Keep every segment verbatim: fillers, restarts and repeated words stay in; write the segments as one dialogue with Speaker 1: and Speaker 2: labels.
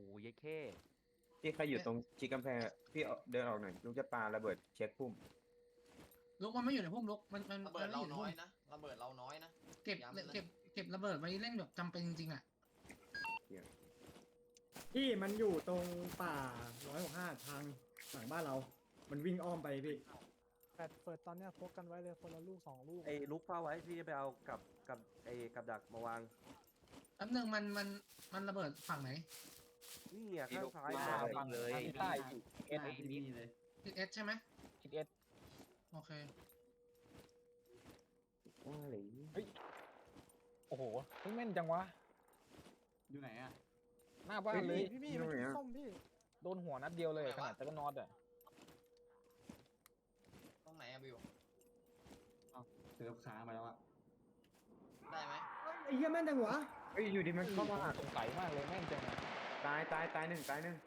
Speaker 1: ยายเข้
Speaker 2: พี่ใครอยู่ตรงชิดกำแพงพี่เดินออกหน่อยลูกจะปาระเบิดเช็คพุ่ม
Speaker 3: ลุกมันไม่อยู่ในพุ่มลุกมันมัน
Speaker 4: ระเบิดเราน้อยนะระเบิดเราน้อยนะ
Speaker 3: เก็บเก็บเก็บระเบิดไว้เล่นแบบจำเป็นจริงๆอ่ะ
Speaker 5: พี่มันอยู่ตรงป่าร้อยหกห้าทางหลังบ้านเรา มันวิ่งอ้อมไปพี่
Speaker 6: แปดเปิดตอนเนี้ยพกกันไว้เลยคนละลูกสองลูก
Speaker 7: ไอ้ลุกเฝ้าไว้พี่จะไปเอากับกับไอ้กับดักมาวาง
Speaker 3: แป๊บนึงมันมันมันระเบิดฝั่งไหน
Speaker 7: นี่อ่ะข้างซ้าย
Speaker 1: มา
Speaker 7: มา
Speaker 1: ฟังเลย
Speaker 8: ใต้อยู่เอสนี่เลย
Speaker 3: ทิศเอสใช่ไหม
Speaker 8: ทิศเอส
Speaker 3: โอเค
Speaker 2: ว่าอะไร
Speaker 8: โอ้โหเฮ้ยแม่นจังวะ
Speaker 4: อยู่ไหนอ่ะ
Speaker 8: หน้าบ้านเลย
Speaker 6: พี่พี่มันสีส้มพี่
Speaker 8: โดนหัวนัดเดียวเลยขนาดตะกันนอดอ่ะ
Speaker 4: ตรงไหนอะบิว
Speaker 9: เสือขามาแล้วอะ
Speaker 4: ได้ไหม
Speaker 5: ไอ้เหี้ยแม่นจังวะ
Speaker 2: เฮ้ยอยู่ดีมันเข้ามา
Speaker 8: สงสัยมากเลยแม่นจังอะ
Speaker 2: ตายตายตายหนึ่งตายหนึ่ง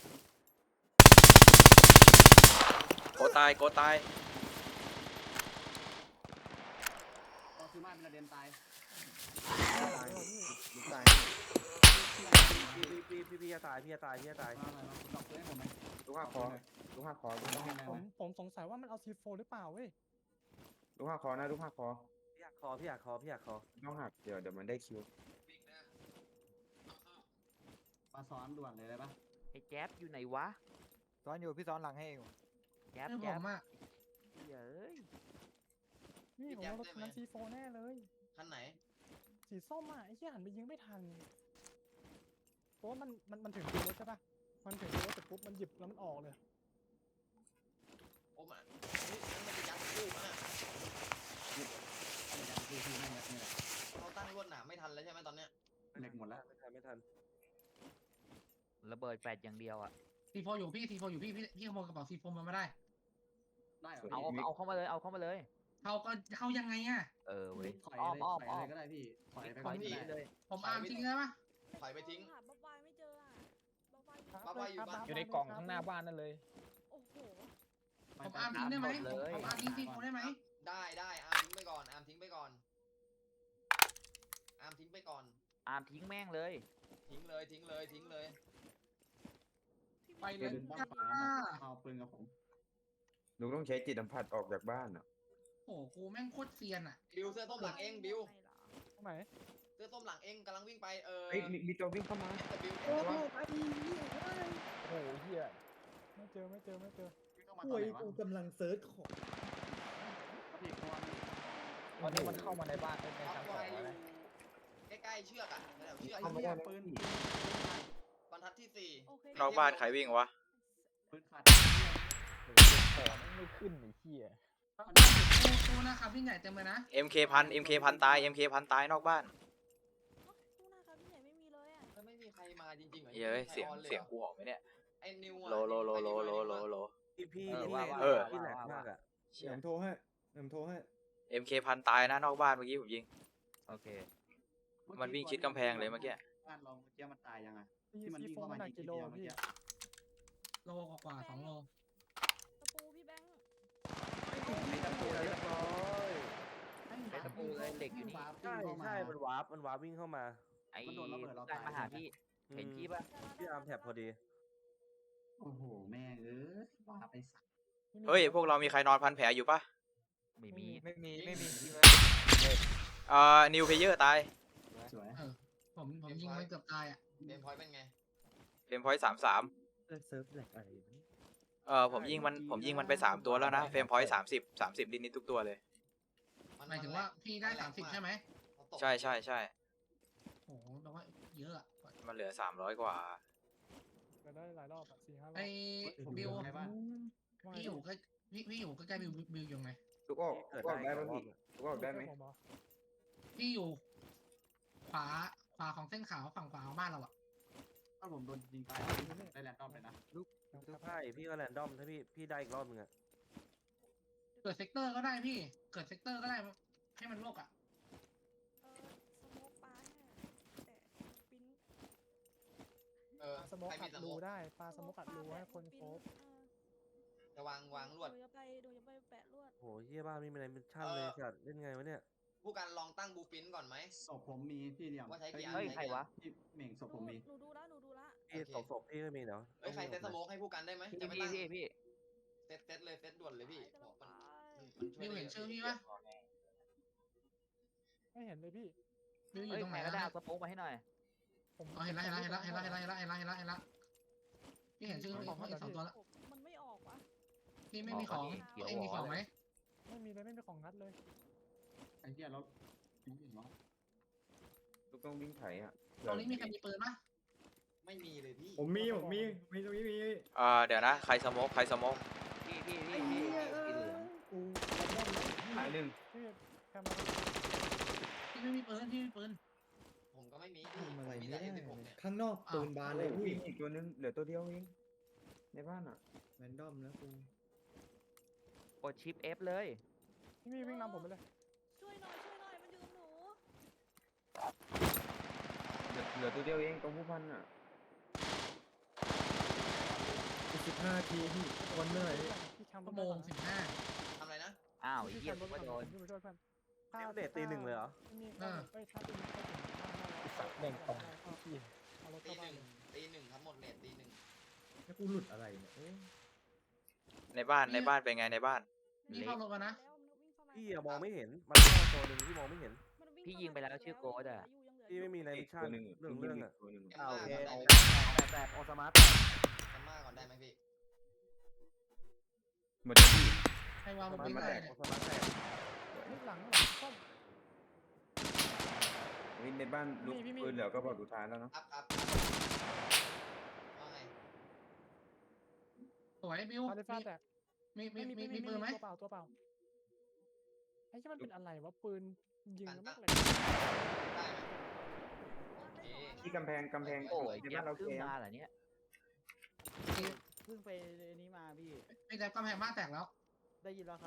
Speaker 10: โกตายโกตาย
Speaker 9: ก็คือมาเป็นระเด็นตาย
Speaker 2: ตายลูกตาย
Speaker 7: พี่พี่พี่พี่พี่จะตายพี่จะตายพี่จะตาย
Speaker 9: มาอะไรมาคุณดอกเพื่อนให้ผมไหม
Speaker 2: ลูกห้าคอลูกห้าคอลูก
Speaker 9: ต้อง
Speaker 2: ห้า
Speaker 9: ให้
Speaker 2: คอ
Speaker 9: ไห
Speaker 6: ผม มผมสงสัยว่ามันเอาซีโฟหรือเปล่าเว้ย
Speaker 2: ลูกห้าคอนะลูกห้าคอ
Speaker 7: พี่อยากคอพี่อยากคอพี่อยากคอ
Speaker 2: ต้องหักเดี๋ยวเดี๋ยวมันได้คิว
Speaker 9: มาซ้อนด่วนเลยได้ปะ
Speaker 1: ไอ้แจ๊บอยู่ไหนวะ
Speaker 6: ซ้อนอยู่พี่ซ้อนหลังให้เอง
Speaker 1: แจ๊บ
Speaker 3: คือผ
Speaker 1: แจ๊บ
Speaker 3: มอ่ะ
Speaker 1: เฮ้ย
Speaker 6: นี่ผมเอารถคันนั้นซีโฟแน่เลย
Speaker 4: คันไหน
Speaker 6: สีส้มอ่ะไอ้เหี้ยหันไปยิงไม่ทันเพราะว่ามันมันมันถึงตัวรถใช่ปะมันถึงตัวรถเสร็จปุ๊บมันหยิบแล้วมันออกเลย
Speaker 4: โอ้มานี่มันจะยัดลูกนะ
Speaker 9: คือคือไม่ยัดนี่แหละ
Speaker 4: เราตั้งลวดหนามไม่ทันแล้วใช่ไหมตอนเนี้ย
Speaker 9: เหล็กหมดแล้ว
Speaker 7: ไม่ทันไม่ทัน
Speaker 1: ระเบิดแปดอย่างเดียวอ่ะ
Speaker 3: ซีโฟอยู่พี่ซีโฟอยู่พี่พี่พี่ขโมยกระเป๋าซีโฟมาไม่ได้
Speaker 9: ได้เหรอ
Speaker 1: เอาเอาเอาเข้ามาเลยเอาเข้ามาเลย
Speaker 3: เขาก็เข้ายังไงอ่ะ
Speaker 1: เออเว้ย
Speaker 9: ถอย
Speaker 1: อ้อม
Speaker 9: เลย
Speaker 1: อ้อม
Speaker 9: ถอย
Speaker 1: อ้อ
Speaker 9: อะไร
Speaker 1: ม
Speaker 9: ก็ได้พี่ถอยไป
Speaker 1: ถ
Speaker 9: ก่อ
Speaker 1: อน ย
Speaker 9: ก็
Speaker 1: หนี
Speaker 9: ได้
Speaker 1: เลย
Speaker 3: ผมอาร์มทิ้งได้ปะ
Speaker 4: ถอยไปทิ้ง
Speaker 11: หาบ๊อบวายไม่เจออ่ะบ๊อบวายอยู่
Speaker 4: บ๊อบวายอยู่บ้าน
Speaker 8: อยู่ในกล่องข้างหน้าบ้านนั่นเลย
Speaker 11: โอ้โห
Speaker 3: ผมอาร์มทิ้งได้ไหมผมผมอาร์มทิ้งซีโฟได้ไหม
Speaker 4: ได้ได้อาร์มทิ้งไปก่อนอาร์มทิ้งไปก่อนอาร์มทิ้งไปก่อน
Speaker 1: อามทิ้งแม่งเลย
Speaker 4: ทิ้งเลยทิ้งเลยทิ้งเลย
Speaker 3: ไปเลย
Speaker 9: เป็นบ้า
Speaker 3: จ้า
Speaker 9: เอาปืนกับผม
Speaker 2: ลูกต้องใช้จิตสัมผัสออกจากบ้านอ่ะ
Speaker 3: โอ้โหกูแม่งโคตรเซียนอ่ะ
Speaker 4: บิวเสื้อส้มหลังเองบิว
Speaker 6: ตรงไหน
Speaker 4: เสื้อส้มหลังเองกำลังวิ่งไปเออ
Speaker 2: เฮ้ยมีมีตัววิ่งเข้ามา
Speaker 4: เอ็มบิว
Speaker 6: โอ้โหไอ้เหี้ยโอ้โหเหี้ยไม่เจอไม่เจอไม่เจอ
Speaker 9: พี่เข้ามาต
Speaker 5: ป่
Speaker 9: อน
Speaker 5: วย
Speaker 9: ไหนวะ
Speaker 5: กูกำลังเซิร์ชของ
Speaker 9: พี่ตัว
Speaker 8: ตอนนี้มันเข้ามาในบ้านใน
Speaker 4: บ๊อบ
Speaker 8: ชั้นส
Speaker 4: วา
Speaker 8: อย ง
Speaker 4: อยู่
Speaker 8: แล้วนะ
Speaker 4: ใกล้ๆเชือกอ่ะแถวๆเชือก
Speaker 9: ไอ้เหี้ยปืน
Speaker 4: บรรทัดที่สี่
Speaker 11: โอเคน
Speaker 10: อกบ้านใครวิ่งวะ
Speaker 9: ปืนขาด
Speaker 8: โอ้โหของมันไม่ขึ้นไอ้เหี้ย
Speaker 3: ตู้นะครับวิ่งใหญ่เต็มเลยนะ
Speaker 10: เอ็ม เค พัน เอ็ม เค พันตาย เอ็ม เค พันตายนอกบ้าน
Speaker 11: ตู้หน้าครับพี่ใหญ่ไม่มีเลยอ่ะ
Speaker 4: แล้วไม่มีใครมาจริงๆเหรอ
Speaker 10: เย้ยเสียง
Speaker 4: ไม่มีใครออนล
Speaker 10: เสียง
Speaker 4: หรอ
Speaker 10: กูออกไหมเนี่ย
Speaker 4: ไอ้นิวอะ
Speaker 10: โลโลโลโลโลโลโล
Speaker 7: พี่พี่
Speaker 1: เออ
Speaker 7: พี่
Speaker 1: ว่าว่า
Speaker 10: เออ
Speaker 7: พี่แหลกมากอ่ะ
Speaker 2: เดี๋ยวผมโทรให้เดี๋ยวผมโทรให้
Speaker 10: เอ็ม เค พันตายนะนอกบ้านเมื่อกี้ผมยิง
Speaker 1: โอเค
Speaker 10: มันวิ่งชิดกำแพงเลยเมื่อกี้
Speaker 9: บ้านเราเมื่อกี้มันตายยังไง
Speaker 6: ซี
Speaker 9: ที่มันวิ่ง
Speaker 6: โฟ
Speaker 9: เข้า
Speaker 6: มั
Speaker 9: มาน
Speaker 6: หนัก
Speaker 9: ยิง
Speaker 6: กิโล
Speaker 9: เดียวเมื่อ
Speaker 6: พี่
Speaker 9: กี้
Speaker 3: โลกว่าๆสองโล
Speaker 11: ตะปูพี่แบงค์
Speaker 7: ไอ้ตะปูเรียบร้อย
Speaker 1: ไอ้ตะปูเลยเหล็กอยู่นี่
Speaker 7: ใช่ใช่มันวาร์ปมันวาร์ปวิ่งเข้ามา
Speaker 1: ไอ้
Speaker 9: มันโดนระเบิดเรา
Speaker 1: การ
Speaker 9: ตาย
Speaker 1: มาหาพี่ เห็นพี่ปะ
Speaker 7: พี่อาร์มแท็บพอดี
Speaker 9: โอ้โหแม่เอ้ยบ้าไปสัก
Speaker 10: เฮ้ย พวกเรามีใครนอนพันแผลอยู่ปะ
Speaker 1: ไม่มี
Speaker 8: ไม่มีไม่มี
Speaker 10: เอ่อ นิวเพเยอร์ตาย
Speaker 9: สวย
Speaker 3: ผมผมยิงมันเกือบตายอ่ะ
Speaker 4: เกมพอยต์เป็นไง
Speaker 10: เฟรมพอยต์สามสาม
Speaker 7: เซิร์ฟแหลกอะไร
Speaker 10: เอ่อ ผมยิงมัน ผมยิงมันไปสามตัวแล้วนะ เฟรมพอยต์สามสิบ สามสิบนิดนิดๆทุกตัวเลย
Speaker 3: หมายถึงว่าพี่ได้สามสิบใช่ไหม
Speaker 10: ใช่ใช่ใช่
Speaker 3: โอ้โหแปลว่าเยอะอ่ะ
Speaker 10: มันเหลือสามร้อยกว่า
Speaker 6: ก็ได้หลายรอบอ่ะสี่ห้ารอบ
Speaker 3: ไอ้บิว
Speaker 9: ไงบ้าง
Speaker 3: พี่อยู่ใกล้พี่พี่อยู่ใกล้ๆบิวบิวอยู่ไง
Speaker 2: ลูกออกลูกออกได้ไหมพี่ลูกออกได้ไหม
Speaker 6: ผมเหรอ
Speaker 3: พี่อยู่ ขวาขวาของเส้นขาวฝั่งขวาของบ้านเราอ่ะ
Speaker 9: ถ้าผมโดนยิงตายได้แรนดอมเลยนะ
Speaker 7: ทุกไพ่พี่ก็แรนดอมถ้าพี่พี่ได้อีกรอบนึงอ่ะ
Speaker 3: เกิดเซกเตอร์ก็ได้พี่ เกิดเซกเตอร์ก็ได้ให้มันโลกอ่ะ
Speaker 11: เออสโมกปลาให้แต่ปิ้น
Speaker 4: เออ
Speaker 6: สโมก
Speaker 4: ใคร
Speaker 6: อั
Speaker 4: มี
Speaker 6: ด
Speaker 4: ส
Speaker 6: รู
Speaker 4: โมก
Speaker 6: ได้ปลาสโมกอัดรูให้คนโฟก
Speaker 4: จะวางวางลวด
Speaker 11: หนูจะไปหนูจะไปแปะลวด
Speaker 7: โหเฮียบ้านไม่มีอะไรเป็นช่างเลยจัดเล่นไงวะเนี่ย
Speaker 4: ผู้การลองตั้งบูปินก่อนไหม
Speaker 9: ศพผมมีพี่เหลี่ยม
Speaker 4: ว่าใช้กี่อัน
Speaker 1: เฮ้ยใครวะ
Speaker 9: พี่เหม่งศพ
Speaker 11: ห
Speaker 9: ผ
Speaker 11: นู
Speaker 9: มมี
Speaker 11: หนูดูแล้วหนูดูแล้ว
Speaker 7: พี่พี่ศพศพพี่ไม่มีเนาะ
Speaker 4: เฮ้ยใครเซตสโมกให้ผู้กันได้ไหม
Speaker 1: พี่
Speaker 4: จะไม่
Speaker 1: พี่
Speaker 4: ตั้ง
Speaker 1: พี่พี่
Speaker 4: เซตเซตเลยเซตด่วนเลยพี่
Speaker 11: ไป
Speaker 4: บอก
Speaker 11: ไป
Speaker 4: มันมันมันช่วย
Speaker 3: บิว
Speaker 4: ได้
Speaker 3: เห็น
Speaker 4: เย
Speaker 3: ชื่อ
Speaker 4: อะ
Speaker 3: พี่ปะ
Speaker 6: ไม่เห็นเลยพี่
Speaker 3: บิวอยู่
Speaker 1: เฮ้ย
Speaker 3: ตรงไห
Speaker 1: ใคน รก็
Speaker 3: นะ
Speaker 1: ได้เอาสโป๊กมาให้หน่อย
Speaker 6: ผม
Speaker 3: อ๋อเห็นแล้วเห็นแล้วเห็นแล้วเห็นแล้วเห็นแล้วเห็นแล้วเห็นแล้วเห็นแล้วเห็นแล้วพี่เห็นชื่อพี่อีกสองตัวแล้ว
Speaker 11: มันไม่ออกวะ
Speaker 3: พี่ไม่มีของเองมีของไหม
Speaker 6: ไม่มีเลยไม่มีของงัดเลย
Speaker 9: ไอ้เหี้ยรถไม่เห็นวะ
Speaker 2: ลูกต้องวิ่งไถอ่ะ
Speaker 3: ตรงนี้มีใครมีปืนปะ
Speaker 4: ไม่มีเลยพี่
Speaker 5: ผมมีผมมีมีตรงนี้มี
Speaker 10: เอ่อเดี๋ยวนะใครสโมกใครสโมก
Speaker 1: พี่พี่พี่พี่สีเหลือง
Speaker 6: กูแรนดอมเลย
Speaker 2: ตายหนึ่ง
Speaker 6: พี่แคมมา
Speaker 3: พี่ไม่มีปืนพี่ไม่มีปืน
Speaker 4: ผมก็ไม่มี
Speaker 5: ทำอะไร
Speaker 4: มี
Speaker 5: ไม่
Speaker 4: แต่
Speaker 5: ได้
Speaker 4: เอ็ม
Speaker 5: เล
Speaker 4: สิบหก
Speaker 5: ย
Speaker 4: เนี่ย
Speaker 5: ข้างนอกปืนบานเลย
Speaker 2: โอ้
Speaker 5: พี่
Speaker 2: ยอีกตัวนึงเหลือตัวเดียวเองในบ้านอ่ะ
Speaker 5: แรนดอมแล้วกู
Speaker 1: กดชิป F เลย
Speaker 6: พี่มีวิ่งนำผมไปเลย
Speaker 11: ช่วยหน่อยช่วยหน่อยมันอยู่กับหนู
Speaker 2: เหลือเหลือตัวเดียวเองตรงผู้พันอ่ะ
Speaker 5: สิบห้าทีพี่วันเมื่อไหร่
Speaker 6: พี่แคม
Speaker 3: ชั่วโมงสิบห้า
Speaker 4: ทำอะไรนะ
Speaker 1: อ้าวไอ้
Speaker 6: พี่
Speaker 1: เหี้
Speaker 6: แค
Speaker 1: ย
Speaker 6: มรถ
Speaker 1: ก็โดน
Speaker 6: พี่ไปช่วยเพื่อน
Speaker 7: นี่มันเดทตีหนึ่งเลยเหรอ
Speaker 6: มีเอ้ยถ้าตีไม่ถึง
Speaker 8: สัตว์แม่งตรงพี่
Speaker 6: เอารถ
Speaker 4: ตี
Speaker 6: เข้า
Speaker 4: ห
Speaker 6: บ้าน
Speaker 4: นึ่งตีหนึ่งครับหมดเลทตีหนึ่ง
Speaker 5: แล้วกูหลุดอะไรเนี่ยโอ้ย
Speaker 10: ในบ้านในบ้านเป็นไงในบ้าน
Speaker 3: นี่เข้ารถมานะ
Speaker 7: พี่อะมองไม่เห็นมันแค่ตัวหนึ่งที่มองไม่เห็น
Speaker 1: พี่ยิงไปแล้วชื่อโกดอะ
Speaker 7: พี่ไม่มีใน
Speaker 2: อี
Speaker 7: มิ
Speaker 2: ก
Speaker 7: ชชั่
Speaker 2: ตัวน หนึ่ง
Speaker 7: เรื่องเรื่องอะ
Speaker 2: ตัวหนึ่ง
Speaker 4: แกม
Speaker 7: อ่า
Speaker 4: มา
Speaker 7: โอเค
Speaker 4: ก่อนได้
Speaker 7: เอา
Speaker 4: ไหม
Speaker 7: แตกแตกโอสมาร์ท
Speaker 4: แกมมาก่อนได้ไหมพี่
Speaker 2: หมดแล้วพี่
Speaker 3: ใครวางบน
Speaker 7: มา
Speaker 3: ปิ้ง
Speaker 7: แต
Speaker 3: อะไร
Speaker 7: ก
Speaker 3: เนี่
Speaker 7: โอย สมาร์ทแตก
Speaker 6: นี่หลังหลังส้ม
Speaker 2: เฮ้ยในบ้านลูก
Speaker 6: มีมีมี
Speaker 2: ปืนเหลือก็บอกสุดท้ายแล้วเนาะ
Speaker 4: ครับครับว่าไง
Speaker 3: สวยบิว
Speaker 6: ฟาดฟาดแตก
Speaker 3: มีมี
Speaker 6: ไม่
Speaker 3: มี
Speaker 6: มี
Speaker 3: มีปืนไหม
Speaker 6: ตัวเปล่าตัวเปล่าไอ้ที่มันเป็นอะไรวะปืนยิงแล้วไม่แหลก
Speaker 4: ได้ไหมโอเค
Speaker 2: ที่กำแพงกำแพง
Speaker 1: โอ้ย
Speaker 2: ใน
Speaker 1: เจ็
Speaker 2: บ้า
Speaker 1: บ
Speaker 2: นเรา
Speaker 1: ขึ้น
Speaker 2: เคลียร์
Speaker 1: มาเหรอเนี่ย
Speaker 8: เพิ่งไปนี้มาพี่
Speaker 3: ไอ้แต่กำแพงบ้านแตกแล้ว
Speaker 8: ได้ยินแล้วครับ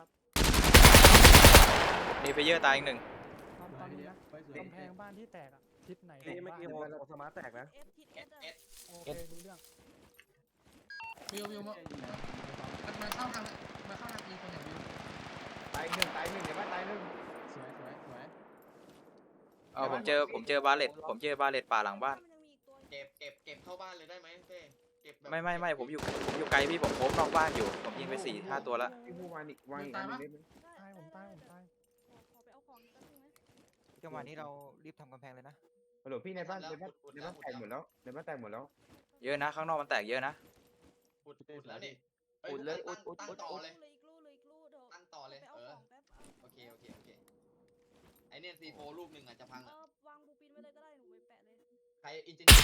Speaker 10: มีไปเยอะตายอีกหนึ่ง
Speaker 6: ตอนตอนนี้นะ
Speaker 9: ไปสวย
Speaker 6: กำแพงบ้านที่แตกอะทิศไหน
Speaker 7: นี่เมื่อกี้
Speaker 6: ข
Speaker 7: โอ
Speaker 6: องบ้าน
Speaker 7: โอสมาร์ทแตกนะ
Speaker 11: เอฟทิศ
Speaker 4: เอ
Speaker 11: เอ
Speaker 4: ส
Speaker 11: ส
Speaker 4: เอส
Speaker 6: โอเครู้เรื่อง
Speaker 3: บิวบิวมามันมันเข้าทางมันเข้าทางอีคนอย่างบิว
Speaker 2: ตายหนึ่งตายหนึ่งในบ้านตายหนึ่ง
Speaker 9: สวยสวยสวย
Speaker 10: เออผมเจอผมเจอบาเลตผมเจอบาเลตป่าหลังบ้าน
Speaker 11: มันยังมีอีกตัว
Speaker 4: เก็บเก็บเก็บเข้าบ้านเลยได้ไหมเต้เก็บแบบ
Speaker 10: ไม่ไม่ไม่ผมอยู่ผมอยู่ไกลพี่ผมโคบนอกบ้านอยู่ผมยิงไปสี่ห้าตัวแล้ว
Speaker 2: พี่ผู้วานอีกวางอีกอันหนึงได้ไหม
Speaker 6: ตายผมตายผมตาย
Speaker 11: ขอไปเอาของแป๊บนึงนะ
Speaker 8: จังหวะนี้เรารีบทำกำแพงเลยนะ
Speaker 2: ฮัลโหลพี่ในบ้านในบ้านในบ้านแตกหมดแล้วในบ้านแตกหมดแล้ว
Speaker 10: เยอะนะข้างนอกมันแตกเยอะนะ
Speaker 4: อุดอุดแล้วนี่
Speaker 1: อุดเลยอุดอุด
Speaker 4: ตั้ง
Speaker 1: อุด
Speaker 4: ต่อ
Speaker 1: อุด
Speaker 4: เลย
Speaker 11: เลยอีกลูเลยอีกลูเดี๋ยว
Speaker 4: ตั้งต่อเลย
Speaker 11: ไปเอา
Speaker 4: เออ
Speaker 11: ของแป๊บเอา
Speaker 4: โอเคโอเคโอเคไอเนี่ยซีโฟลูกหนึ่งอ่ะจะพัง
Speaker 11: เอ
Speaker 4: อ่ะ
Speaker 11: อวางบูปินไว้เลยก็ได้หนูไปแปะเลย
Speaker 4: ใครอินจิเนียร์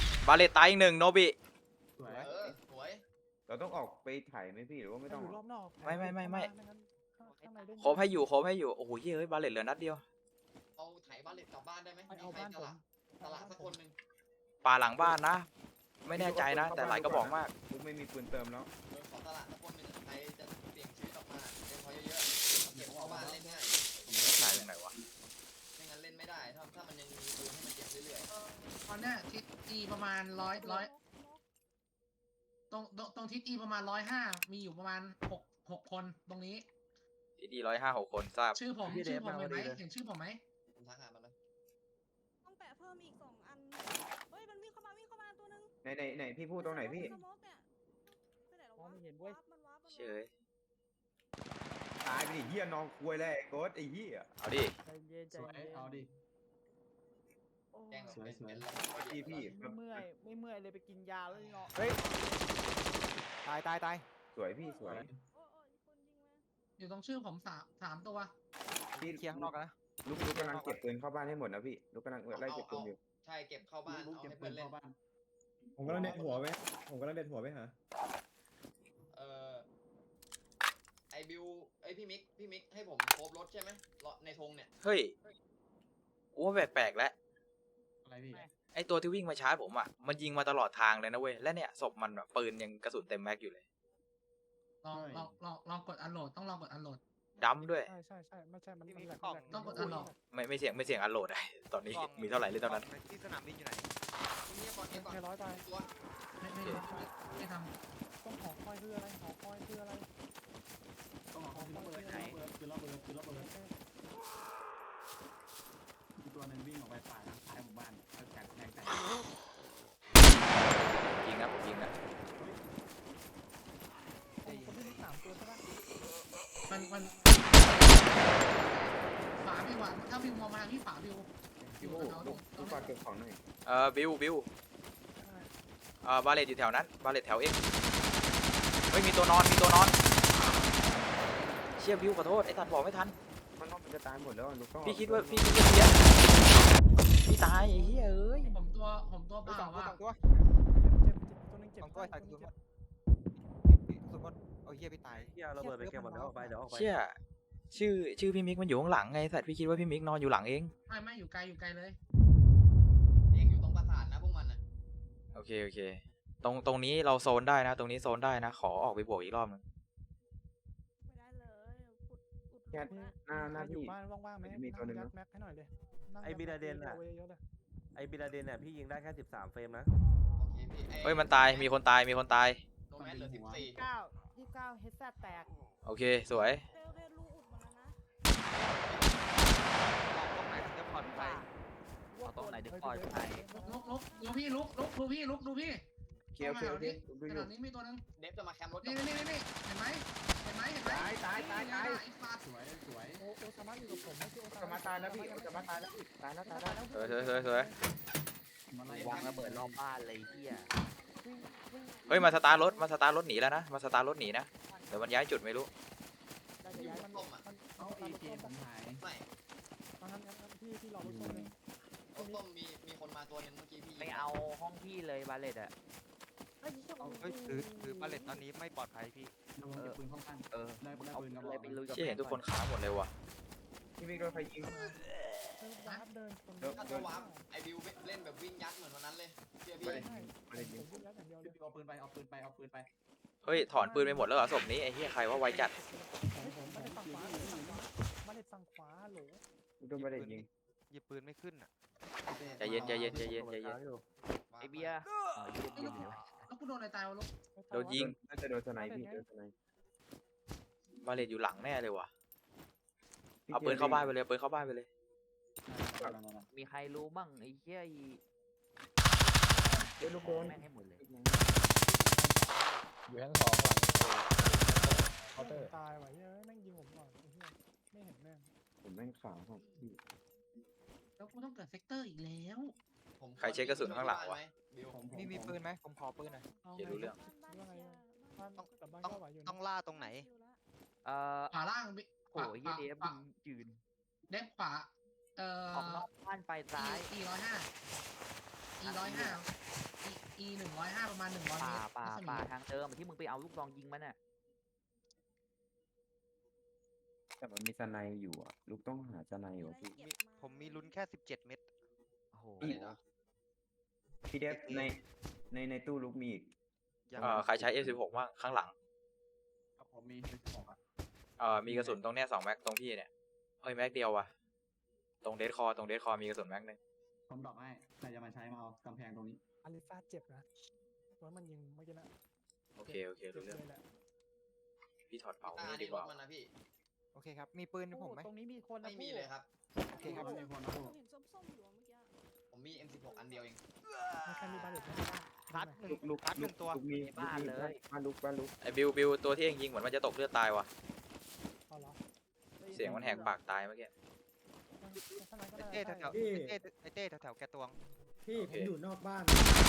Speaker 10: บาเลตตายอีกหนึ่งโนบิ
Speaker 9: สวย
Speaker 4: เออสวย
Speaker 2: เราต้องออกไปถ่ายไหมพี่หรือว่าไม่
Speaker 6: ไม่
Speaker 2: ต้อง
Speaker 6: อยู่รอบนอก
Speaker 10: ไม่ไม่ไม่ไม่
Speaker 6: งั้นข้างในได้
Speaker 10: โคบให้อยู่โคบให้อยู่โอ้โหเฮ้ยบาเลตเหลือนัดเดียว
Speaker 4: เอาไถบ้านเล็กกลับบ้านได้ไหม
Speaker 6: ไป
Speaker 4: มี
Speaker 6: เอา
Speaker 4: ใคร
Speaker 6: บ้าน
Speaker 4: ต
Speaker 6: ผม
Speaker 4: ลาดตลาดสักคนหนึ่ง
Speaker 10: ป่าหลังบ้านนะ ไม่แน่ใจนะ แต่หลายกระบอกมาก
Speaker 2: ลูกไม่มีปืนเติมแล้ว
Speaker 4: เออขอตลาดสักคนหนึ่งใครจะเสี่ยงชีวิตออกมาเล่นเขาเยอะๆเก็บเข้าบ้านเล่นง่าย
Speaker 10: ถ่ายตรงไหนวะ
Speaker 4: ไม่งั้นเล่นไม่ได้ถ้าถ้ามันยังมีปืนให้มันเก็บเรื่อย
Speaker 3: ตอนเนี้ยทิศอีประมาณร้อยร้อยตรงตรงตรงทิศอีประมาณร้อยห้ามีอยู่ประมาณหกหกคนตรงนี้
Speaker 10: ทีดีร้อยห้าหกคนทราบ
Speaker 3: ชื่อผมชื่อผมเห็นไหมเห็นชื่อผมไหม
Speaker 4: ๆผมทักหามันเลย
Speaker 11: ต้องแปะเพิ่มอีกสองอันเฮ้ยมันวิ่งเข้ามาวิ่งเข้ามาตัวนึง
Speaker 2: ไหนไหนไหนพี่พูดตรงไหนพี่
Speaker 11: สโมกเนี่ยไปไหนแล้ววะ
Speaker 8: มองไม่เห็นเว้ย
Speaker 11: วาร์ปมันวาร์ปมันวาร์ป
Speaker 10: เฉย
Speaker 2: ตายไปดิเฮียนอนควยแล้วไอ้โกดไอ้เฮีย
Speaker 10: เอาดิ
Speaker 8: ใจเย็นใจ
Speaker 9: สวย
Speaker 8: เย็น
Speaker 9: เอาดิ
Speaker 8: โอ้
Speaker 4: แกล้งแบบ
Speaker 9: สวย
Speaker 4: เป็น
Speaker 9: สวย
Speaker 4: เป็นแล้ว
Speaker 2: พี่พี่
Speaker 8: ไม่เมื่อยไม่เมื่อยเลยไปกินยาแล้วนี่เนาะเฮ้ยตายตายตาย
Speaker 2: สวยพี่สวย
Speaker 11: โอ้ยโอ้ยคนยิงมา
Speaker 3: อยู่ตรงชื่อผมสามสามตัว
Speaker 2: พี่
Speaker 8: เคลียร์ข้างนอกกันนะ
Speaker 2: ลูกลูกกำลังเก็บปืนเข้าบ้านให้หมดนะพี่ลูกกำลังไล่เก็บปืนอยู่
Speaker 4: ใช่เก็บเข้าบ้าน
Speaker 9: ลูก
Speaker 4: เอา
Speaker 9: เก็บ
Speaker 4: ให้
Speaker 9: ปื
Speaker 4: เพื่อน นเล่
Speaker 9: เข้าน บ้าน
Speaker 5: ผมกำลังเด็ดหัวไปผมกำลังเด็ดหัวไปหา
Speaker 4: เออไอบิวไอพี่มิกพี่มิกให้ผมโคบรถใช่ไหมรถในธงเนี่ย
Speaker 10: เฮ้ยกูว่าแปลกๆแล้ว
Speaker 9: อะไรพี่
Speaker 10: ไอตัวที่วิ่งมาชาร์จผมอ่ะมันยิงมาตลอดทางเลยนะเว้ยและเนี่ยศพมันแบบปืนยังกระสุนเต็มแม็กอยู่เลย
Speaker 3: ลองลองลองลองกดอันโหลดต้องลองกดอันโหลด
Speaker 10: ดัมด้วย
Speaker 6: ใช่ใช่ใช่ไม่ใช่มันมันแหลก
Speaker 3: ต้องกดอันโหลด
Speaker 10: ไม่ไม่เสียงไม่เสียงอันโหลดได้ตอนนี้มีเท่าไหร่เลยตอนนั้น
Speaker 1: ที่สนามบินอยู่ไหน
Speaker 4: นี่ก่อนนี่ก่อน
Speaker 6: แค่ร้อยไป
Speaker 4: ตัว
Speaker 3: ไม่ไม่ไม่ไม่ท
Speaker 6: ต้องหอคอยคืออะไรหอคอยคืออะไร
Speaker 9: ต้องเอาคือระเบิดคือระเบิดคือระเบิดคือระเบิดมีตัวหนึงวิ่งออกไปป่าทางซ้ายหมู่บ้านแล้วจัดแรงใส่
Speaker 3: มันมันฝาบิวอะถ้าบิวมองมาที่ฝาบิว
Speaker 2: พี่โว้ลูกลูกฝากเก็บของหน่อย
Speaker 10: เออบิวบิวเออบาเลตอยู่แถวนั้นบาเลตแถวเอ็กเฮ้ยมีตัวนอนมีตัวนอนเชี่ยบิวขอโทษไอ้ทันบอกไม่ทัน
Speaker 2: มันนอกมันจะตายหมดแล้วลูกต้อง
Speaker 10: พี่คิดว่าพี่คิดว่าเพี้ยนพี่ตายไอ้เหี้ยเอ้ย
Speaker 3: ผมตัวผมตัวเปล่าว่า
Speaker 6: เจ็บเจ็บเจ็บตัวนึงเจ็บ
Speaker 8: สองตัวใส่กระสุนหมดกระสุนหมดเอาเฮียพี่ตาย
Speaker 7: เฮียเราเบิดไปเก็บหมดแล้วออกไปเดี๋ยวออกไป
Speaker 10: เชี่ยชื่อชื่อพี่มิกมันอยู่ข้างหลังไงสัตว์พี่คิดว่าพี่มิกนอนอยู่หลังเอง
Speaker 3: ไม่ไม่อยู่ไกลอยู่ไกลเลย
Speaker 4: เองอยู่ตรงปราสาทนะพวกมันอ่ะ
Speaker 10: โอเคโอเคตรงตรงนี้เราโซนได้นะ ตรงนี้โซนได้นะขอออกไปบวกอีกรอบนึง
Speaker 11: ไม่ได้เลยอุดอุด
Speaker 2: แค่หน้าหน้า
Speaker 6: อยู่
Speaker 2: พี่
Speaker 6: บ้านว่างๆไหม
Speaker 2: มีตัวหนึ่ง
Speaker 6: ยั
Speaker 2: นะ
Speaker 6: ดแม็กให้หน่อยเลย
Speaker 7: ไอ้บิลาเดนอ่ะ
Speaker 6: เยอะๆเลย
Speaker 7: ไอ้บิลาเดนเนี่ยพี่ยิงได้แค่สิบสามเฟรมนะ
Speaker 4: โอเคพี่
Speaker 10: เฮ้ยมันตายมีคนตายมีคนตาย
Speaker 4: โนแมสเหลือสิบสี่
Speaker 8: เก้ายี่สิบเก้าเฮดแซดแตก
Speaker 10: โอเคสวย
Speaker 11: เร็วเร็วลูกอุดหมดแล้วนะ
Speaker 1: เอาตรงไหนถึงจะปลอดภัยเอาตรงไหนถึงปลอดภัย
Speaker 3: ลุกลุกดูพี่ลุกลุกดูพี่ลุกดูพี่
Speaker 2: เคียวเคียวดิดู
Speaker 3: ข
Speaker 2: อยู่
Speaker 3: นาดนี้มีตัวนึง
Speaker 4: เดฟจะมาแคมป์รถ
Speaker 3: นี่นี่นี่นี่เห็นไหมเห็นไหมเห็นไหม
Speaker 2: ตายตายตายตาย
Speaker 3: ไอ้ฟาด
Speaker 9: สวยสวย
Speaker 6: โอโอซามาอยู่กับผมไม่ใช่โอ
Speaker 2: จะมาตายแล้วพี่จะมาตายแล้วพี่ตายแล้วตายแล้ว
Speaker 10: สวยสวยสวยสวย
Speaker 9: มาไล่
Speaker 1: วางระเบิดรอบบ้านเลยเฮีย
Speaker 10: เฮ้ยมาสตาร์ทรถมาสตาร์ทรถหนีแล้วนะมาสตาร์ทรถหนีนะเดี๋ยวมันย้ายจุดไม่รู้
Speaker 6: ได้จะย้ายมันมัน
Speaker 9: เอาเอเจผมหาย
Speaker 4: ไม่
Speaker 6: งั้นงั้นงั้นพี่พี่รอรถส้มเลย
Speaker 4: รถต้มมีมีคนมาตัวหนึงเมื่อกี้พี่
Speaker 1: ไม่เอาห้องพี่เลยบาเลตอะ
Speaker 6: ไอ้ยี่ห้อ
Speaker 8: เฮ้ยถือถือบัลเลตตอนนี้ไม่ปลอดภัยพี่
Speaker 9: ระวังเก็บปืนเข้าข้าง
Speaker 1: เออ
Speaker 9: ได้
Speaker 1: มึง
Speaker 9: ได้
Speaker 1: เอา
Speaker 9: ปืนกระบ
Speaker 1: เล
Speaker 9: อย ก
Speaker 1: ไปลุยกับ
Speaker 10: เชี่ยเห็นทุกคนค้าหมดเลยว่ะ
Speaker 2: พี่มิกโดนใครยิง
Speaker 6: วาร์ปเดินคน
Speaker 2: เดี๋ยว
Speaker 4: ถ้าตัววาร์ปไอบิวเล่นแบบวิ่งยัดเหมือนวันนั้นเลยเชื่อพี่
Speaker 2: ไม่ได้
Speaker 6: ใช่
Speaker 2: ไม่ได้ยิง
Speaker 6: ผมวิ่งยัดอย่างเดียวเลย
Speaker 9: เอาปืนไปเอาปืนไปเอาปืนไป
Speaker 10: เฮ้ยถอนปืนไปหมดแล้วเหรอศพนี้ไอ้เหี้ยใครว่าไวจัด
Speaker 6: ผมไม่ได้ฝั่งขวาไม่ได้ฝั่งขวาโหล
Speaker 2: โดนไม่ได้ยิง
Speaker 8: หยิบปืนไม่ขึ้นอ่ะ
Speaker 10: ใจเย็นใจเย็นใจเย็นใจเย็น
Speaker 1: ไอเบียร์อ๋อยืนยืนอยู่
Speaker 3: แล้วกูโดนอะไรตายวะลูก
Speaker 10: โดนยิง
Speaker 2: น่าจะโดนสไนพี่โดนสไน
Speaker 10: บาเลตอยู่หลังแน่เลยว่ะเอาปืนเข้าบ้านไปเลยเอาปืนเข้าบ้านไปเลย
Speaker 1: มีใครรู้มั่งไอ้เหี้ยอี
Speaker 2: เดี๋ยวลูกโกน
Speaker 1: แม่งให้หมดเลย
Speaker 6: อยู่ชั้นสองหลังเคาน์เตอร์ตายว่ะเฮ้ยแม่งยิงผมก่อนไอ้เหี้ยไม่เห็นแม่ง
Speaker 2: ผมแม่งขาวครับพี่
Speaker 3: แล้วกูต้องเกิดเซกเตอร์อีกแล้ว
Speaker 4: ผม
Speaker 10: ใครเช็คกระสุนข้างหลังวะ
Speaker 4: บิว
Speaker 8: มีมีปืนไหมผมขอปืนหน่อย
Speaker 6: เอา
Speaker 10: เดี๋ยวรู้เรื่อง
Speaker 6: ว่าไงบ้านแต่บ้าน
Speaker 8: ต้อง
Speaker 6: ก็ไหวอยู่
Speaker 8: ต้องล่าตรงไหน
Speaker 1: เอ่อ
Speaker 3: ขวาล่างบิ
Speaker 1: โอ้ยเหี้ยเดฟมึงยืน
Speaker 3: เด็บขวาเอ่อ
Speaker 1: ออกนอกบ้านไปซ้าย
Speaker 3: e ร้อยห้า e ร้อยห้า e e หนึ่งร้อยห้าประมาณหนึ่งร้อย
Speaker 1: ป่า
Speaker 3: เมตร
Speaker 1: ป่า
Speaker 3: รัศมี
Speaker 1: ป่าทางเดิมที่มึงไปเอาลูกซองยิงมันน่ะ
Speaker 2: แต่มันมีสไนอยู่อ่ะลูกต้องหาสไนอยู่พี่
Speaker 8: ผมมีลุ้นแค่สิบเจ็ดเม็ด
Speaker 1: โอ้โห
Speaker 2: พี่พี่เดฟในในในตู้ลูกมีอีก
Speaker 10: เอ่อใครใช้ เอฟ สิบหก บ้างข้างหลัง
Speaker 9: ผมมีเป็นของอ่ะ
Speaker 10: เอ่อมีกระสุนตรงเนี้ยสองแม็กตรงพี่เนี่ยเฮ้ยแม็กเดียวว่ะตรงเดดคอตรงเดดคอมีกระสุนแม็กหนึง
Speaker 9: ผมดรอกให้ใครจะมาใช้มาเอากำแพงตรงนี้
Speaker 6: อาริฟาเจ็บนะว่ามันยิงเมื่อกี้นะ
Speaker 10: โอเคโอเครู้เรื่อง
Speaker 6: แหละ
Speaker 10: พี่ถอดเป๋า
Speaker 4: อ่า
Speaker 10: นี่ดี
Speaker 4: นี่
Speaker 10: ก
Speaker 4: ร
Speaker 10: ว่า
Speaker 4: ถมันนะพี่
Speaker 8: โอเคครับ มีปืนให้ผมไหม
Speaker 6: ตรงนี้มีคนนะ
Speaker 4: ไม่มีเลยครับ
Speaker 8: โอเคครับ
Speaker 9: ไม่มีคนนะ
Speaker 11: ผมเห็นส้มๆอยู่อะเมื่อกี้
Speaker 4: ผมมี เอ็ม สิบหก อันเดียวเอง
Speaker 6: มีใครมีบาเลตไหม
Speaker 8: พัดหนึ่ง
Speaker 2: ลูกลูก
Speaker 8: พัดหนึ่งตัว
Speaker 2: ลูกมีลูกมีบ้านลูกบ้านลูก
Speaker 10: ไอ้บิวบิวตัวที่เองยิงเหมือนมันจะตกเลือดตายว่ะ
Speaker 6: เอาเหรอ
Speaker 10: เสียงมันแหกปากตายเมื่อกี้
Speaker 8: ไอเต้แถว
Speaker 5: พี่
Speaker 8: ไอเต้ไอเต้แถวๆแกตวง
Speaker 5: พี่ผมอยู่นอกบ้าน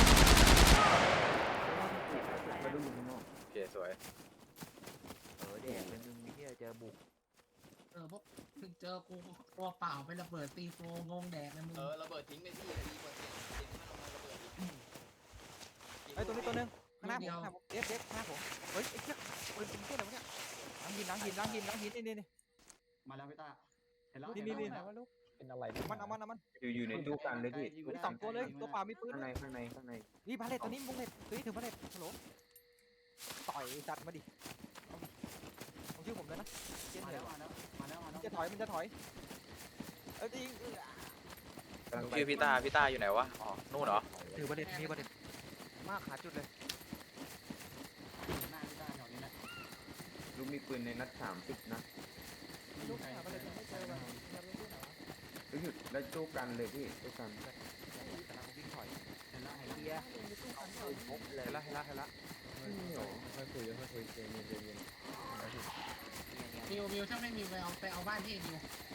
Speaker 2: มาดูลูกข้างนอก
Speaker 10: โอเคสวย
Speaker 1: เออเด็กเป็นมึงเหี้ยเจอบุก
Speaker 3: เออพวกถึงเจอกูตัวเปล่าไประเบิดตีโฟงงแดกเลยมึง
Speaker 4: เออระเบิดทิ้งไปพี่ดีกว่าเสียงเสียงมันออกมาระเบิดอีก
Speaker 8: ไอยตัวนี้ตัวนึงข้างหน้าผมข้างหน้าผมเอฟเอฟข้างหน้าผมเฮ้ยไอ้เหี้ยปืนเป็นเหี้ยอะไรวะเนี่ยล้างหินล้างหินล้างหินล้างหินนี่นี่นี่
Speaker 9: มาแล้วพี่ต้าเห็นแล้ว
Speaker 8: นี่
Speaker 9: เห็น
Speaker 8: นี่
Speaker 9: แล้ว
Speaker 6: ไหนวะลูก
Speaker 5: เป็นอะไร
Speaker 8: เอามันเอามันเอามัน
Speaker 2: อยู่อยู่ในตู้กันเลยพี่
Speaker 8: มีสองตัวเลยตัวเปล่ามีปืน
Speaker 2: ข้างในข้างในข้างใน
Speaker 8: นี่บาเลตตัวนี้บุ้งเลตตัวนี้ถึงบาเลตฮัลโหลต่อยจัดมาดิเอาดิเอาชื่อผมเลยนะเจน
Speaker 9: มา
Speaker 8: เห
Speaker 9: แล้
Speaker 8: ยว
Speaker 9: มาแล้วมาแล้วมา
Speaker 8: มั
Speaker 9: แล้
Speaker 8: น
Speaker 9: ว
Speaker 8: จะถอยมันจะถอยเอ้ยจริง
Speaker 2: กำลังไป
Speaker 10: ชื่อพี่ต้าพี่ต้าอยู่ไหนวะอ๋อนู่นเหรอ
Speaker 8: ถือบาเลตมีบาเลตมากขาจุดเลย
Speaker 9: หน้าพี่ต้าแถวนี้แหละ
Speaker 2: ลูกมีปืนในนัดสามสิบนะ
Speaker 6: ลูกหาบาเลตยังไม่เจอว่ะยังไม่รู้ไหนวะ
Speaker 2: ลูกหยุดแล้วตู้กันเลยพี่ตู้กัน
Speaker 8: แต่เราวิ่งถอย
Speaker 9: เห็นแล้วเห็นแล้ว
Speaker 1: เฮียเอาปืนพกเลย
Speaker 8: เห็นละเห็นละเห็นละ
Speaker 2: ค่อยคุยค่อยคุยเย็นเย็นเย็น
Speaker 1: เนี่ยเนี่ย
Speaker 3: วิววิวถ้าไม่มีไปเอาไปเอาบ้านที่วิว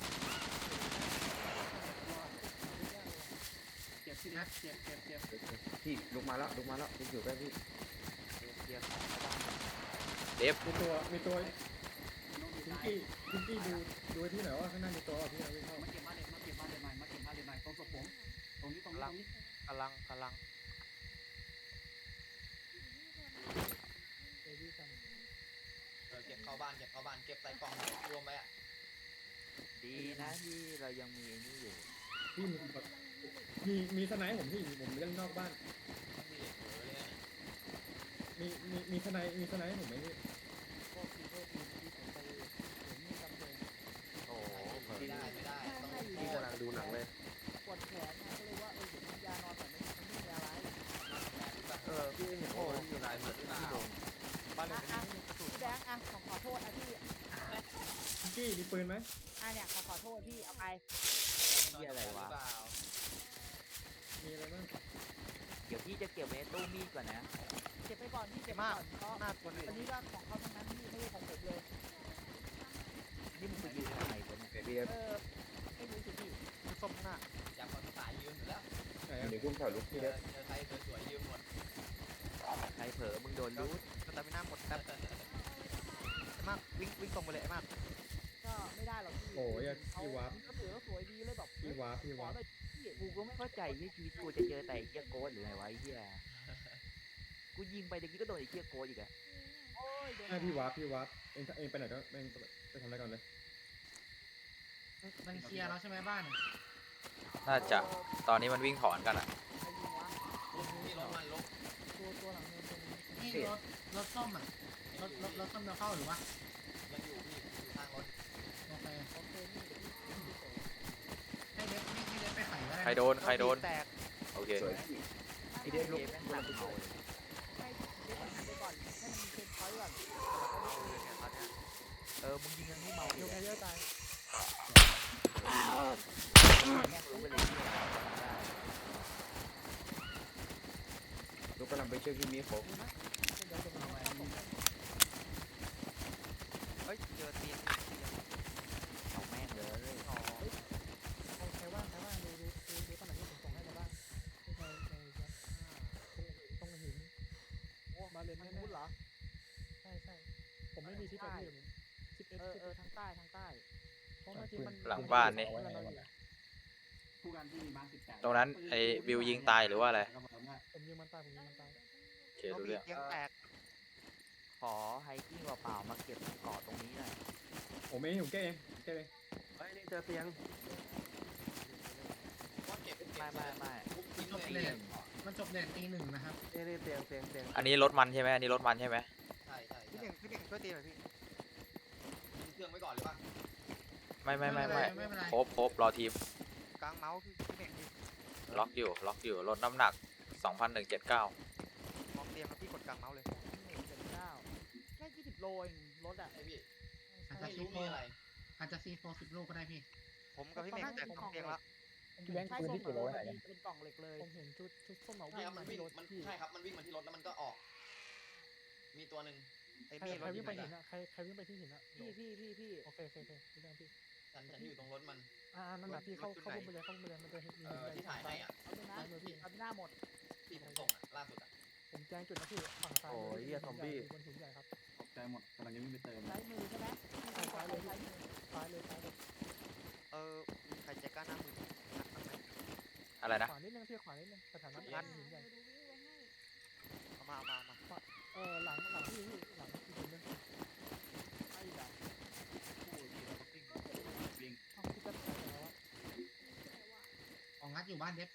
Speaker 9: เจ็บพี่เล็กเจ็บเจ็บเจ็บ
Speaker 2: พี่ลุกมาแล้วลุกมาแล้วลุกอยู่ใกล้พี่
Speaker 1: เคลียร์ของเข้าบ้าน
Speaker 10: เดฟ
Speaker 5: มีตัวมีตัว
Speaker 9: น้องมี
Speaker 5: พิง
Speaker 9: ตาย
Speaker 5: กี้พิงกี้ดูดูไว้ที่ไหนว่าข้างหน้ามีตัวอ่ะพี่เอาวิ่งเข้า
Speaker 9: มาเก็บบ้านเล็กมาเก็บบ้านเล็กหน่อยมาเก็บบ้านเล็กหน่อยตรงศพผมตรงนี้ตรงนี้ตรงนี้
Speaker 8: กำลังกำลัง
Speaker 11: เดี๋ยวพี่กัน
Speaker 4: เออเก็บเข้าบ้านเก็บเข้าบ้านเก็บใส่กล่องรวมไปอ่ะ
Speaker 1: ดีนะที่เรายังมีไอ้นี่อยู่
Speaker 5: พี่มีมีมีสไนป์ผมพี่ผมเล่นนอกบ้าน
Speaker 4: ต้องมีเหล็กเหลือเลยนะ
Speaker 5: มีมีมีสไนป์มีสไนป์ผมไหมพี่
Speaker 6: พวกทีโทษทีที่ผมไปเห็นมีกำเพง
Speaker 1: โอ้โหเผลอ
Speaker 4: ไม่ได้ไม่ได้ต้อง
Speaker 7: พี่กำลังดูหนังเลย
Speaker 6: ปวดแขนนะก็เลยว่าเออเดี๋ยวกินยานอนแต่ไม่มันไม่มีอะไร
Speaker 7: เออพี่เห็นโอ้ยอยู่ไหนเหมือนที่โดน
Speaker 6: บ้านเลยไม่มีกระสุนพี่แบงค์อ่ะขอขอโทษนะพี่
Speaker 5: พิงกี้มีปืนไหม
Speaker 6: อ่ะเนี่ยขอขอโทษพี่เอาไป
Speaker 1: เหี้ยอะไรวะ
Speaker 4: หเปล่า
Speaker 5: มีอะไรบ้าง
Speaker 1: เดี๋ยวพี่จะเก็บไว้ในตู้มีดก่อนนะ
Speaker 6: เก็บไปก่อนพี่เก็บไปก่อนเพราะ
Speaker 8: หน้าตัวนี้
Speaker 6: อันนี้ก็ของเขาทั้งนั้นพี่ไม่ใช่ของผมเลย
Speaker 1: นี่มึงไปยืนทำไมวะเนี่ย
Speaker 2: เบบี้
Speaker 6: เออไม่รู้สิพี่
Speaker 8: ส้มหน้า
Speaker 4: อยากคนสายยืมอยู่แล้ว
Speaker 5: ไหน
Speaker 2: เดี๋
Speaker 5: อ่ะ
Speaker 2: ยวพุ่งถอยลุก
Speaker 4: เจ
Speaker 2: พี่
Speaker 4: อ
Speaker 2: เล็ก
Speaker 4: เจอใครสวยๆยืมหมด
Speaker 1: ใครเผลอมึงโดนรูด
Speaker 8: สตามิน่าหมดแป๊บไอ้มากวิ่งวิ่งตรงไปเลยไอ้มาก
Speaker 6: ก็ไม่ได้หรอกพี่
Speaker 5: โอ้ยอ่ะ
Speaker 6: เขา
Speaker 5: พี่วาร์ป
Speaker 6: ก็ถือว่าสวยดีเลยแบบ
Speaker 5: พี่วาร์ปพี่
Speaker 6: ขอ
Speaker 5: วาร์ป
Speaker 6: เลยพี่
Speaker 1: กูก็ไม่เข้าใจที่ชีวิตกูจะเจอแต่ไอ้เหี้ยโกดหรือไงวะไอ้เหี้ยกูยิงไปเดี๋ยวกี้ก็โดนไอ้เหี้ยโกดอีกอะ
Speaker 6: โอ้ยโดน
Speaker 5: ใช่พี่วาร์ปพี่วาร์ปเองเองไปไหนก็เองไปทำอะไรก่อนเลย
Speaker 3: มันเคลียร์แล้วใช่ไหมบ้าน
Speaker 10: น่าจะตอนนี้มันวิ่งถอนกันอะ
Speaker 6: ใครยิงวะ
Speaker 4: ที่รถมันลบ
Speaker 6: ตัวตัวหลังเนินตรงนี้
Speaker 3: นี่รถรถส้มอ่ะรถรถรถส้มเราเข้าหรือวะ
Speaker 4: ยังอยู่พี่อยู่ข้างรถ
Speaker 3: โอเค
Speaker 6: โอเคนี่เดี๋ยวพี่พี่เสร็จ
Speaker 3: ให้เล็กให้ให้เล็กไปไขก็ได้
Speaker 10: ใครโดนใครโดน
Speaker 8: แตก
Speaker 10: โอเค
Speaker 2: สวยพี่
Speaker 1: ไอ้เด็กลูกแม่งหลังเขาเลย
Speaker 6: ให้เล็กหันไปก่อนให้มันมีเชนพอยต์ก่อน
Speaker 1: เออมึงยิงยังไม่เมา
Speaker 6: โย
Speaker 1: อยู่
Speaker 6: กแคเยอร์ตาย
Speaker 1: แม่งรู้ไปเลยที่ไหนทำได้
Speaker 2: ลุกกำลังไปช่วยพี่มีโฟก
Speaker 6: ดีนะเดี๋ยวจะมาเอาผม
Speaker 8: เฮ้ยเจอตีน
Speaker 1: เอาแม่งเลย
Speaker 8: อ๋อ
Speaker 6: ใครใครว่างใครว่างดูดูดูดูตำแหน่งที่ผมส่งให้ในบ้านในในในตรงหินโอ้มาเลนแน่ๆเหรอใช่ใช่ผมไม่มีที่ไปที่สิบเอ็ดเออเออทางใต้ทางใต้เพราะเมื่อกี้มัน
Speaker 10: หลังบ้านนี่
Speaker 9: คู่กันที่มีบ้านสิบแปด
Speaker 10: ตรงนั้นไอ้บิวยิงตายหรือว่าอะไร
Speaker 9: ก็บอกว่า
Speaker 6: ผมยิงมันตายผมยิงมันตาย
Speaker 10: โอเครู้เรื่อง
Speaker 8: ยังแตก
Speaker 1: ขอไฮกิ้งเปล่าๆมาเก็บเกาะตรงนี้หน่อย
Speaker 5: ผมเองผมแก้เองแก้เอง
Speaker 7: เฮ้ยนี่เจอเตียง
Speaker 4: ว่าเก็บเก็บ
Speaker 1: ไม่ไม่ไม่
Speaker 4: ทุบทิ้ง
Speaker 3: จบ
Speaker 4: เลย
Speaker 3: เลนมันจบเลนตีหนึ่งนะครับ
Speaker 7: นี่นี่เตียงเตียงเตียง
Speaker 10: อันนี้รถมันใช่ไหมอันนี้รถมันใช่ไหม
Speaker 4: ใช่ใช่
Speaker 8: พี่หนึ่งพี่หนึ่งช่วยตีหน่อยพี่
Speaker 4: ทิ้งเครื่องไว้ก่อนหรือเปล่า
Speaker 10: ไม่ไม่ไม่ไม่
Speaker 3: ไม่เป็นไร
Speaker 10: ครบครบรอทีม
Speaker 8: กลางเมาส์พี่พี่หนึ่งพี่
Speaker 10: ล็อกอยู่ล็อกอยู่ลดน้ำหนักสองพันหนึ่งเจ็ดเก้าม
Speaker 8: องเตียงครับพี่กดกลางเมาส์เลย
Speaker 6: หนึ่งเจ็ดเก้าแค่ยี่สิบโลเองรถอ่ะ
Speaker 4: ไอพี่
Speaker 3: อาจจะ
Speaker 4: ไม่
Speaker 3: ซี
Speaker 4: รู้
Speaker 3: โฟ
Speaker 4: มีอะไร
Speaker 3: อาจจะซีโฟสิบลูกก็ได้พี่
Speaker 8: ผมกับพี่เมฆแตกสองเตียงแล้ว
Speaker 6: พี่แบงค์ปืนที่เก็บไว้ไหนเป็นกล่องเหล็กเลยผมเห็นชุดชุดส้มเหมา
Speaker 4: ใช่
Speaker 6: วิ่
Speaker 4: ครับ
Speaker 6: ง
Speaker 4: มั
Speaker 6: มาน
Speaker 4: วิ่
Speaker 6: ที่
Speaker 4: ง
Speaker 6: รถ
Speaker 4: มัน
Speaker 6: พี่
Speaker 4: ใช่ครับมันวิ่งมาที่รถแล้วมันก็ออก มีตัวหนึ่ง
Speaker 8: ไอ้
Speaker 6: ใคร
Speaker 8: มีด
Speaker 6: ใค
Speaker 8: ร
Speaker 6: ร
Speaker 8: ถ
Speaker 6: วิ่งไป
Speaker 8: ยิ
Speaker 6: หิ
Speaker 8: ง
Speaker 6: นอ่ะใครใครวิ่งไปที่หินอ่ะพี่พี่พี่พี่โอเคโอเคโอเคพี่แบงค์พี่
Speaker 4: ฉันฉันอยู่ตรงรถมัน
Speaker 6: อ่านั่นแหละพี่เข้าเข้าพุ่มไปเลยเข้าพุ่มไปเลยมันจะเห็นมี
Speaker 4: เอ่อที่ถ่ายให้อ่ะ
Speaker 6: เอาเลยนะพี่เอาหน้าหมด
Speaker 4: ที่ผมส่งอ่ะล่าสุดอ่ะ
Speaker 6: ผมแจ้งจุดนะพี่ฝั่งซ้ายบนหินใหญ่ครับ
Speaker 9: ตกใจหมดกำลังจะวิ่งไปเติม
Speaker 6: ซ้ายมือใช่ไหมซ้ายเลยซ้ายมือซ้ายเลยซ้ายเลย
Speaker 8: เออใครจะกล้าหน้ามือนักบ้างไหม
Speaker 10: อะไรนะ
Speaker 6: ขวานิดนึงพี่ขวานิดนึงสถานะนั้นหินใหญ่
Speaker 8: เอามาเอามาเอามา
Speaker 6: เออหลังหลังพี่พี่หลังอีกคนนึงไอ้หลัง
Speaker 9: วิ่ง
Speaker 6: ห้องที่จะใส่แล้วอะ
Speaker 3: ของงัดอยู่บ้านเด็บ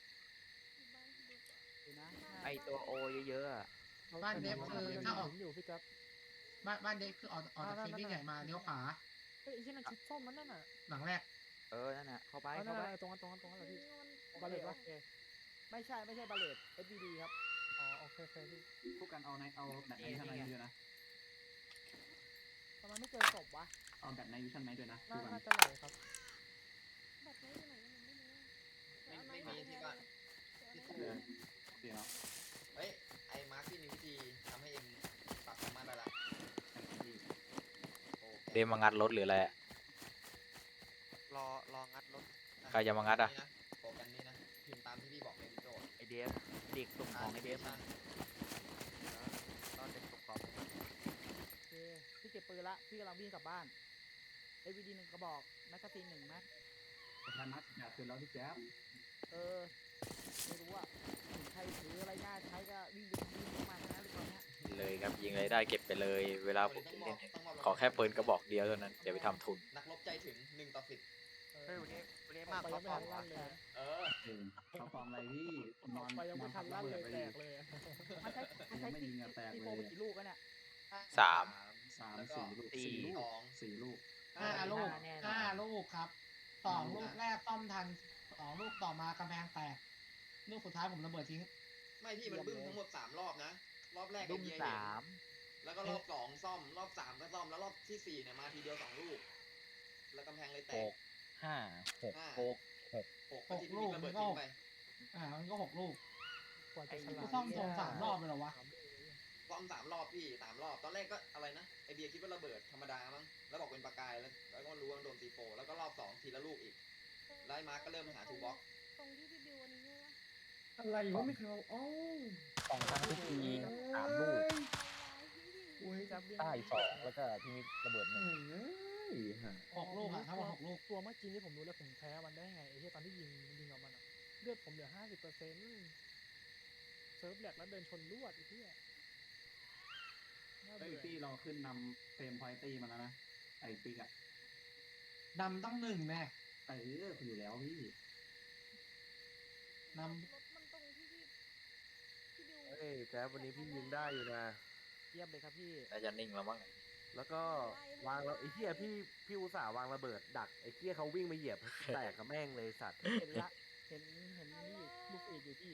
Speaker 6: นะ
Speaker 1: ไอตัวโอเยอะๆอะ
Speaker 3: บ้านเด็บคือถ้าออก
Speaker 6: อยู่พี่จ๊บ
Speaker 3: บ้านบ้านเด็บคือออกออกจากทีวีใหญ่มาเลี้ยวขวา
Speaker 6: เฮ้ยไอ้ที่นั่นชุดส้มมันนั่นน่ะ
Speaker 3: หลังแรก
Speaker 1: เออนั่นน่ะเข้าไป
Speaker 6: เอานั่
Speaker 1: เข้าน ไป
Speaker 6: น่ะตรงนั้นตรงนั้นตรงนั้นเหรอพี่บาเลตวะไม่ใช่ไม่ใช่บาเลต เอส บี ดี ครับอ๋อโอเคโอเคพี่
Speaker 9: คู่กันเอาในเอาแบบในวิชั่นไนด้วยนะ
Speaker 6: ทำไมไม่เจอศพวะ
Speaker 9: เอาแบบในวิชั่นไนด้วยนะ
Speaker 6: น่า
Speaker 9: คู่กัน
Speaker 6: น่าจะไหลครับ
Speaker 11: บัตรไว้อยู่ไหนยังไม่รู้
Speaker 4: ไม่ไม่มีที่บ้านที่ตู้
Speaker 9: เออเดี๋ยวเนาะ
Speaker 4: เฮ้ยไอ้มาร์คที่มีวิธีทำให้เองปรับสามารถได้ละ
Speaker 9: แต่ที่
Speaker 4: โอเค
Speaker 10: เดมมางัดรถหรืออะไรอะ
Speaker 8: รอรองัดรถ
Speaker 10: ใครจะมางัดอะ
Speaker 4: นี่นะโปรแกรมนี้นะพิมพ์ตามที่พี่บอกในโจทย์
Speaker 1: ไอเดฟเด็กส่งของไอเดฟมา
Speaker 8: ตอนเด็กตกขอบ
Speaker 6: โอเคพี่เก็บปืนละพี่กำลังวิ่งกลับบ้านเอวีดีหนึ่งกระบอกแมกกาซีนหนึ่งแม็ก
Speaker 9: ประธานัดอยากคืนแล้วพี่แจ๊บ
Speaker 6: เออไม่รู้อะถึงใครถืออะไรง่ายใช้ก็วิ่งไปยิงเข้ามานะตอนเนี้ย
Speaker 10: เลยครับยิงอะไรได้เก็บไปเลย เวลาผมเล่นเนี่ยขอแค่ปืนกระบอกเดียวเท่านั้นอย่าไปทำทุน
Speaker 4: นักรบใจถึงหนึ่งต่อสิบ
Speaker 8: เฮ้ยวันนี้วันนี้
Speaker 6: อ
Speaker 8: มา
Speaker 6: อก
Speaker 8: ก
Speaker 6: ไป
Speaker 8: เขา
Speaker 6: ยังไม่
Speaker 8: ฟอ
Speaker 6: ทั
Speaker 8: ร์ม
Speaker 6: นลั่นเลย
Speaker 4: เออ
Speaker 9: เออเขาฟอร์มอะไรพี่
Speaker 6: ออกไปยังไม่ทันลั่นเลยแตกเลยอะมันใช้มันใช้
Speaker 9: ไม่
Speaker 6: ซี
Speaker 9: ยิงอะแตก
Speaker 6: ซี
Speaker 9: เล
Speaker 6: โฟ
Speaker 9: ย
Speaker 6: ไปกี่ลูกกันเนี่ย
Speaker 10: สาม
Speaker 9: สาม
Speaker 4: แล้วก็
Speaker 9: สี่ลูกสี่ลู
Speaker 4: ส
Speaker 9: ก
Speaker 4: อง
Speaker 9: สี่ลูก
Speaker 3: ห้าลูก
Speaker 1: แน่นอน
Speaker 3: ห้าลูกครับสองลูกแรกซ่อมทันสองลูกต่อมากำแพงแตกลูกสุดท้ายผมระเบิดทิ้ง
Speaker 4: ไม่พี่มันบึ้มทั้งหมดสามรอบนะ รอบแรก
Speaker 1: ดุ
Speaker 4: ไอ้
Speaker 1: ม
Speaker 4: เบียร์
Speaker 1: ส
Speaker 4: เห็น
Speaker 1: าม
Speaker 4: แล้วก็รอบสองซ่อม รอบสามก็ซ่อม แล้วรอบที่สี่เนี่ยมาทีเดียวสองลูก แล้วกำแพงเลยแต
Speaker 8: ห
Speaker 4: ก
Speaker 8: กห้าหก
Speaker 4: ห้า
Speaker 8: หก
Speaker 4: หกก็ที่พี่ระเบิดทิ้งไป
Speaker 3: อ่ามันก็หกลูก
Speaker 6: กว่าจะฉ
Speaker 3: กู
Speaker 6: ลาด
Speaker 3: ซ่อมโซนสามรอบเลยเหรอวะ
Speaker 4: ซ่อมสามรอบพี่สามรอบ ตอนแรกก็อะไรนะ ไอเบียร์คิดว่าระเบิดธรรมดามั้ง แล้วบอกเป็นประกาย แล้วแล้วก็รู้ว่าโดนซีโฟแล้วก็รอบสองทีละลูกอีก ไล่มาร์กก็เริ่มหาทูบ็อก
Speaker 11: ตรงที่พี่บิวอันนี้ใช่ไหม
Speaker 5: อะไรวะไม่เคยเอาเอ้า
Speaker 8: สองครั้งทุกทีสามลูก
Speaker 5: โอ้ยจับ
Speaker 8: ใต้สองแล้วก็พี่มิกระเบิดหนึ่ง
Speaker 5: เอ้ยฮะ
Speaker 3: หกลูกอะทั้งหมดหกลูก
Speaker 6: ตัวเมื่อกี้นี่ผมรู้แล้วผมแพ้มันได้ไงไอ้เหี้ยตอนที่ยิงยิงออกมันอะเลือดผมเหลือห้าสิบเปอร์เซ็นต์เซิร์ฟแหลกแล้วเดินชนลวดไอ้เหี้ยน่า
Speaker 9: เฮ้ย
Speaker 6: เบื่อ
Speaker 9: ตี้เราขึ้นนำเฟรมพอยตี้มาแล้วนะ ไอปิกอะ
Speaker 3: นำตั้งหนึ่งแน่
Speaker 9: เอออยู่แล้วพี่
Speaker 3: น
Speaker 11: รถมันตรงที่พี่พี่บิว
Speaker 7: เฮ้ยแจ๊บวันนี้พี่ยิงได้อยู่นะ
Speaker 6: เยี่ยมเลยครับพี่
Speaker 10: น่าจะนิ่งแล้วมั้ง
Speaker 7: แล้วก็วางแล้วไอ้เหี้ยพี่พี่อุตส่าห์วางระเบิดดักไอ้เหี้ยเขาวิ่งมาเหยียบแตกกับแม่งเลยสัตว์
Speaker 6: เห็นละเห็นเห็นนี่อยู่ลูกเอกอยู่พี่